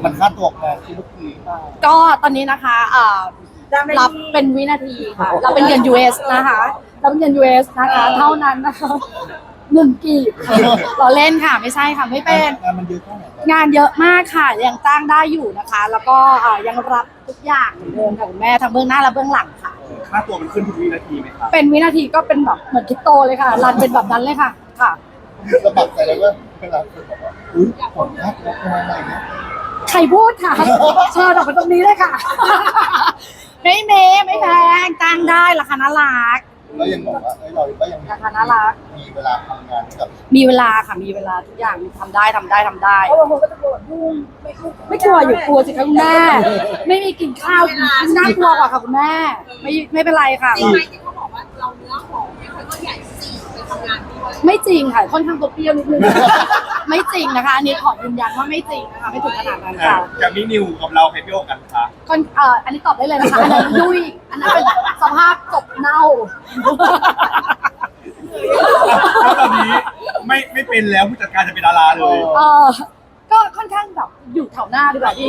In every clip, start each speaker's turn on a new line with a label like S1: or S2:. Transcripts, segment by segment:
S1: มันค่าตัวแพงที่ลูกที
S2: ก็ตอนนี้นะคะรับเป็นวินาทีค่ะเราเป็นเงิน US นะคะเราเป็นเงิน US นะคะเท่านั้นนะคะ1 กีบเราเล่นค่ะไม่ใช่ค่ะไม่เป็น
S1: งานมันเยอะแค่ไหน
S2: งานเยอะมากค่ะยังจ้างได้อยู่นะคะ แล้วก็ยังรับทุกอย่างเหมือนเดิมค่ะคุณแม่ทั้งเบื้องหน้าและเบื้องหลังค่ะ
S3: ค่าตัวมันขึ้นทุกวินาทีไหมครับ
S2: เป็นวินาทีก็เป็นแบบเหมือนคริปโตเลยค่ะรันเป็นแบบนั้นเลยค่ะค่ะ
S1: สะบัดใจเลยว่าเวลาคนบอกว่าอุ้ยผมน่ากลัวอะไรเงี้ย
S2: ใครพูดค่ะเชิญออกมาตรงนี้เลยค่ะไม่แพงจ้างได้ราคาน่ารัก
S1: แล้วยังบอกว่าเราก็ยัง
S2: ราคาน่ารัก
S1: มีเวลาทำงานกับ
S2: มีเวลาค่ะมีเวลาทุกอย่างทำได้
S4: เพราะบางคนก็จะกลัวยุ่ง
S2: ไม่กลัวอยู่กลัวสิคะคุณแม่ไม่มีกินข้าวน่ากลัวกว่าค่ะคุณแม่ไม่เป็นไรค่ะ
S4: จริงไหมที่เขาบอกว่าเราเนื้อหอมไม่ค่อยก็ใหญ่สี่ไปทำงานด้วย
S2: ไม่จริงค่ะค่อนข้างตัวเปรี้ยวนิดนึงไม่จริงนะคะอันนี้ขอยืนยันว่าไม่จริงนะคะไม่ถึงขนาดนั้นค่ะ
S3: จากนี้นิวกับเราใครเปรี้ยวกันคะ
S2: อันนี้ตอบได้เลยนะคะอันนั้นยุ่ยอันนั้นเป็นสภาพกบเน่า
S3: แล้วตอนนี้ไม่เป็นแล้วผู้จัดการจะเป็นดาราเลย
S2: ก็ค่อนข้างแบบอยู่แถวหน้าดีกว่าพี่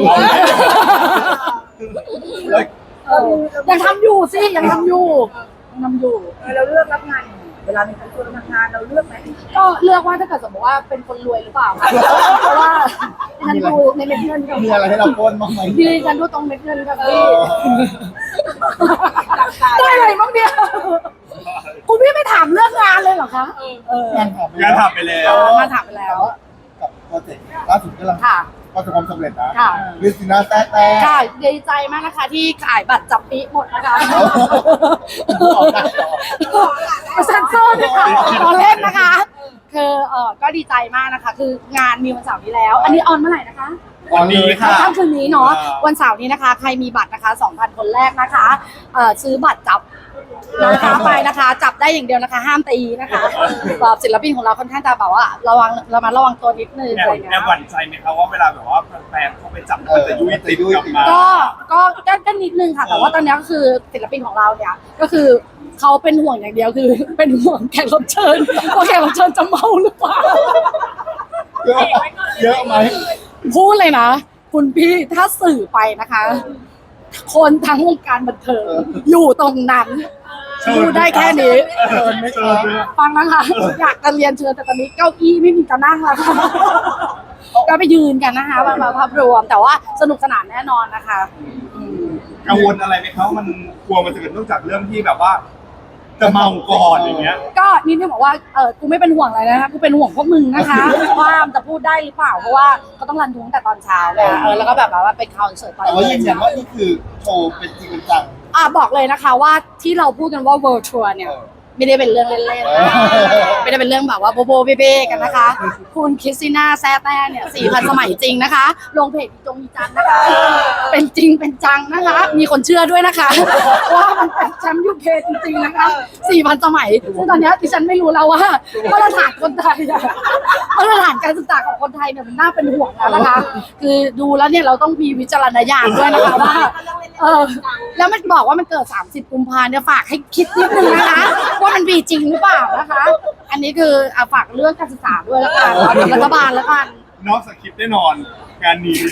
S2: ยังทำอยู่สิยังทำอยู่
S4: เราเลือกรับงานเวลามีคนชวนทำงานเราเลือกไหม
S2: ก็เลือกว่าถ้าเกิดสมมติว่าเป็นคนรวยหรือเปล่าเพราะว่าฉันดูในเม็ดเงิน
S1: มีอะไรให้เราปนบ้างไหม
S2: พี่ฉันดูตรงเม็ดเงินกับพี่ได้อะไรบ้างเนี่ยคุณพี่ไม่ถามเรื่องงานเลยเหรอคะ
S3: งานถามไปแล้ว
S2: งานถามไปแล้ว
S1: กับโปรเจกต์ล่าสุดก็ลังประสบความสำเร็จนะลิซิน่าแต่
S2: ค่ะดีใจมากนะคะที่ขายบัตรจับปีหมดนะคะเซ็นเซอร์ด้วยค่ะตอนเล่นนะคะคือก็ดีใจมากนะคะคืองานมีวันเสาร์นี้แล้วอันนี้ออนเมื่อไหร่นะคะ
S3: วันนี้ค่ะ
S2: ค่ำคืนนี้เนาะวันเสาร์นี้นะคะใครมีบัตรนะคะ 2,000 คนแรกนะคะซื้อบัตรจับนะคะไปนะคะจับได้อย่างเดียวนะคะห้ามตีนะคะแบบศิลปินของเราค่อนข้างจะแบบว่าระวังตัวนิดนึงอะไรเงี้ย
S3: แอบหวั่นใจไหมครับว่าเวลาแบบว่าแฟนเขาไปจับมันจะยุ่ยติดกลับมา
S2: ก็นิดนึงค่ะแต่ว่าตอนนี้ก็คือศิลปินของเราเนี่ยก็คือเขาเป็นห่วงอย่างเดียวคือเป็นห่วงแขกรับเชิญว่าแขกรับเชิญจะเมาหรือเปล่า
S1: เยอะไหม
S2: พูดเลยนะคุณพี่ถ้าสื่อไปนะคะคนทั้งวงการบันเทิงอยู่ตรงนั้นพูดได้แค่นี้ฟังนะคะอยากจะเรียนเชิญแต่ตอนนี้เก้าอี้ไม่มีจะนั่งแล้วค่ะก็ไปยืนกันนะคะมาภาพรวมแต่ว่าสนุกสนานแน่นอนนะคะ
S3: กังวลอะไรไหมครับมันกลัวมันจะเกิดนอกจากเรื่องที่แบบว่าจะเมาก่อนอย่างเงี้ย
S2: ก็นี่ที่บอกว่ากูไม่เป็นห่วงอะไรนะคะกูเป็นห่วงพวกมึงนะคะว่าจะพูดได้หรือเปล่าเพราะว่าเขาต้องรันทุ้งแต่ตอนเช้าแล้วก็แบบว่าเป็นคอนเสิร์ตตอน
S1: แต่ว่ายืนยันว่านี่คือโชว์เป็นจริงเป็นจัง
S2: บอกเลยนะคะว่าที่เราพูดกันว่า World Tour เนี่ยไม่ได้เป็นเรื่องเล่นๆไม่ได้เป็นเรื่องแบบว่าโบโบเบ้ๆกันนะคะคุณคริสติน่าแซ่แต้เนี่ย 4,000 สมัยจริงนะคะลงเพจอีจังนะคะเป็นจริงเป็นจังนะคะมีคนเชื่อด้วยนะคะว่ามันเป็นแชมป์ยูเคจริงๆนะคะ 4,000 สมัยซึ่งตอนนี้ดิฉันไม่รู้แล้วว่ามาตรฐานคนไทยมาตรฐานการศึกษาของคนไทยเนี่ยมันน่าเป็นห่วงแล้วนะคะคือดูแล้วเนี่ยเราต้องมีวิจารณญาณด้วยนะคะว่าแล้วมันบอกว่ามันเกิด30 กุมภาพันธ์เนี่ยฝากให้คิดนิดนึงนะคะว่ามันมีจริงหรือเปล่านะคะ อันนี้คือฝากเรื่องการศึกษาด้วยแล้วกันรัฐบาลแล้วกัน
S3: นอกสคริปต์แน่นอนงานนี้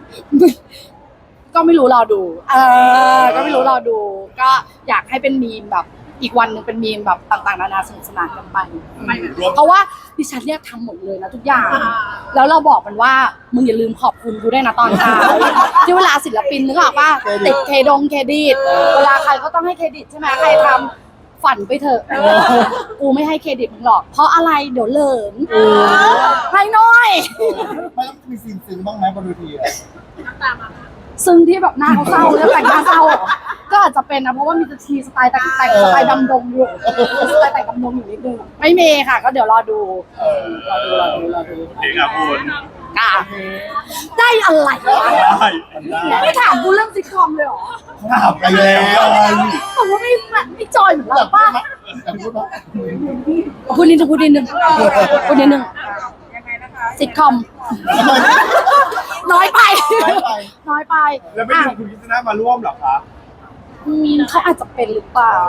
S2: ก็ไม่รู้รอดูก็ไม่รู้รอดูก็อยากให้เป็นมีมแบบอีกวันหนึ่งเป็นมีมแบบต่างๆนานาสนุกสนานกันไปเพราะว่าดิฉันเนี่ยทำหมดเลยนะทุกอย่างแล้วเราบอกมันว่ามึงอย่าลืมขอบคุณกูด้วยนะตอนเช้าที่เวลาศิลปินนึกออกป่ะติดเครดิตเวลาใครก็ต้องให้เครดิตใช่ไหมใครทำฝันไปเถอะกูไม่ให้เครดิตมึงหรอกเพราะอะไรเดี๋ยวเหลิงให้น้อย
S1: ไม่ต้องมีซีนซึ้งบ้างไหมบนเวที
S4: น้ำตามา
S2: ซึ่งที่แบบหน้าเขาเศร้าแล้วแต่งหน้าเศร้าก็อาจจะเป็นนะเพราะว่ามีทีสไตล์แต่งสไตล์ดำดงอยู่สไตล์แต่งดำดงอยู่นิดนึงไม่มีค่ะก็เดี๋ยวรอดู
S3: เด็กอ่ะคุณ
S2: ได้อะไรไม่ถามกูเรื่องซิทคอมเลยหรอ
S1: ถามไปแล้ว
S2: ผมว่าไม่จอยเหมือนเราป่ะพูดนิดนึง
S4: ยังไงนะคะ
S2: ซิทคอมน้อยไป
S3: แล้วไม่มีคุณคริสติน่ามาร่วมหรอคะ
S2: เขาอาจจะเป็นหรือเปล่า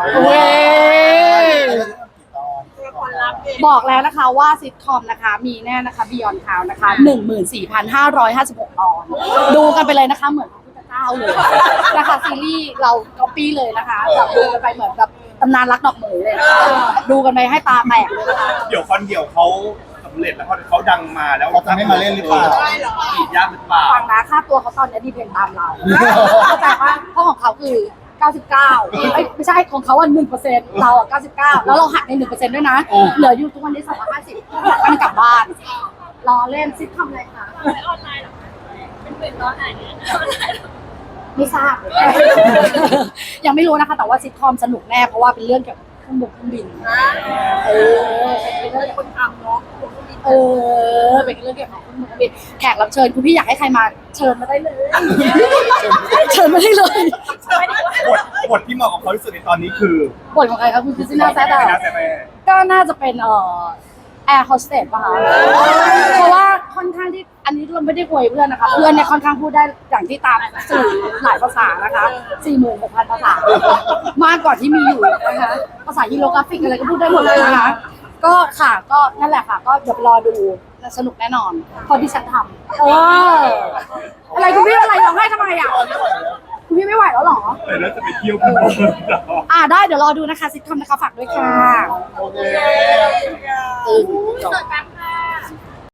S2: บอกแล้วนะคะว่าซิทคอมนะคะมีแน่นะคะ Beyond Cloud นะคะ 14,556 ตอนอนดูกันไปเลยนะคะเหมือนพระพุทธเจ้าเลยนะคะซีรีส์เราก๊อปปี้เลยนะคะแบบดูกันไปเหมือนแบบตำนานรักดอกเหมยเลยนะคะดูกันไปให้ตาแตกเลยนะคะ
S3: เดี๋ยวคอนเดี่ยวเขาสำเร็จแล้วเขาดังมาแล้ว
S1: เขาจะไม่มาเล่นหรือเปล่า
S3: อีกยากหรือเปล่า
S2: ฟังนะค่าตัวเขาตอนนี้ดีเพนตามเราแต่ว่าเพราะของเขาคือ 99ไม่ใช่ของเขา1%เรา99แล้วเราหักใน 1% ด้วยนะเหลืออยู่ทุกวันนี้250มันกลับบ้านรอเล่นซิททำอะไรคะ
S5: ออนไลน์เหรอคะเป็นเหมือนตอนไหนเนี่ยออนไลน์เหรอ
S2: ไม่ทราบ ยังไม่รู้นะคะ แต่ว่าซิทคอมสนุกแน่เพราะว่าเป็นเรื่องเกี่ยวกับเครื่องบินเป็นเรื่องคนทำเนาะเป็นเรื่องเกี่ยวกับเครื่องบินแขกรับเชิญคุณพี่อยากให้ใครมาเชิญมาได้เลย เชิญมาได้เลย
S3: บทที่เหมาะกับเขาที่สุดในตอนนี้คือบ
S2: ทของใครคะคุณคริสติน่าแซด
S3: ไม่น่าจะไป
S2: ก็น่าจะเป็นแอร์โฮสเตสป่ะคะเพราะว่าค่อนข้างที่อันนี้เราไม่ได้อวยเพื่อนนะคะเพื่อนเนี่ยค่อนข้างพูดได้อย่างที่ตามสื่อหลายภาษานะคะ 46,000 ภาษามากกว่าที่มีอยู่นะคะภาษาฮีโรกราฟิกอะไรก็พูดได้หมดเลยนะคะก็ค่ะก็นั่นแหละค่ะก็เดี๋ยวรอดูสนุกแน่นอนพอที่ฉันทำอะไรคุณพี่อะไรร้องไห้ทำไมอ่ะคุณพี่ไม่ไหวแล้วหรอ
S3: แต่แล้วจะไปเที่ยวกัน
S2: ได้เดี๋ยวรอดูนะคะซิทคอมนะคะฝากด้วยค่ะ
S1: โอเค
S5: เกิดแป๊บ